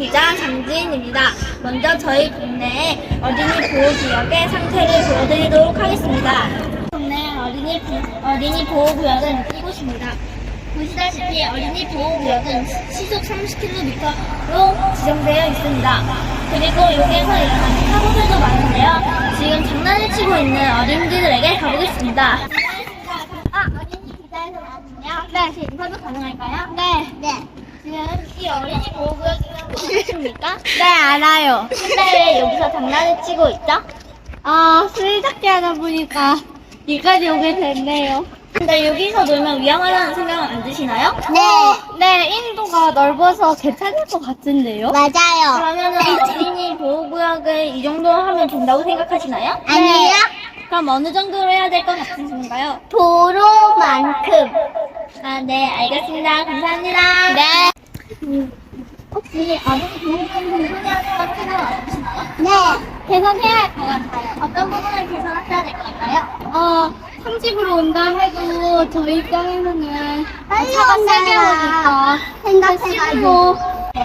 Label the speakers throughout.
Speaker 1: 기자 장지인입니다. 먼저 저희 동네 어린이 보호구역의 상태를 보여드리도록 하겠습니다. 동네 어린이 보호구역은 이곳입니다. 보시다시피 어린이 보호구역은 시속 30km로 지정되어 있습니다. 그리고 여기에서 일어나는 사고들도 많은데요. 지금 장난을 치고 있는 어린이들에게 가보겠습니다. 어린이 기자에서 나왔군요. 네, 제 인터뷰 가능할까요? 네. 지금 이 어린이 보호구역이라고 아십니까?
Speaker 2: 네, 알아요.
Speaker 1: 근데 왜 여기서 장난을 치고 있죠?
Speaker 2: 술잡기 하다 보니까 여기까지 오게 됐네요.
Speaker 1: 근데 여기서 놀면 위험하다는 생각은 안 드시나요?
Speaker 2: 네, 인도가 넓어서 괜찮을 것 같은데요?
Speaker 3: 맞아요.
Speaker 1: 그러면은 어린이 보호구역을 이 정도 하면 된다고 생각하시나요?
Speaker 3: 아니에요?
Speaker 1: 그럼 어느 정도로 해야 될 것 같으신가요?
Speaker 3: 도로만큼.
Speaker 1: 네, 알겠습니다. 감사합니다.
Speaker 3: 네.
Speaker 1: 혹시 어린이 보호구역을 소개하는 필요는 없으시나요?
Speaker 3: 네.
Speaker 1: 개선해야 할 것 같아요. 어떤 부분을 개선하셔야 될 것 같나요?
Speaker 2: 상집으로 온다 해도 저희 입장에서는
Speaker 3: 빨리
Speaker 2: 차가
Speaker 3: 온다
Speaker 2: 세게 오니까
Speaker 3: 생각해가지고.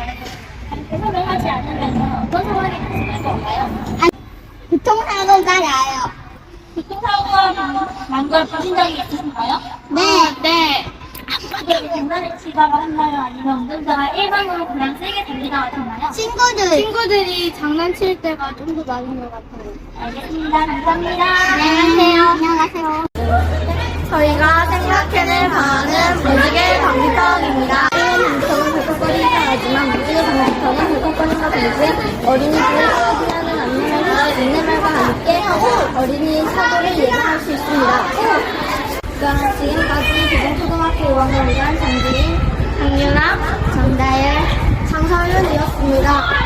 Speaker 1: 개선을 하지 않으면 어떤 상황이 발생할 건가요?
Speaker 3: 교통사고가 나요.
Speaker 1: 교통사고가 난 걸 보신 적이 있으신가요?
Speaker 3: 네.
Speaker 1: 그게 장난을 치다가 했나요? 아니면 운전자가 일반으로 그냥 세게 달리다가 했나요?
Speaker 2: 친구들이 장난칠 때가 좀 더 많은 것 같아요.
Speaker 1: 알겠습니다. 감사합니다.
Speaker 3: 안녕하세요.
Speaker 1: 저희가 생각해낼 방안은 무지개 방지턱입니다. 방지턱은 벌컥거리지는 않지만 무지개 방지턱은 벌컥거림과 동시에 어린이들을 피하는 안내말과 함께 어린이 사고를 예방할 수 있습니다. 그럼 지금까지 기동초등학교 5학년 2반 장지인, 강유나, 정다열, 장서윤이었습니다.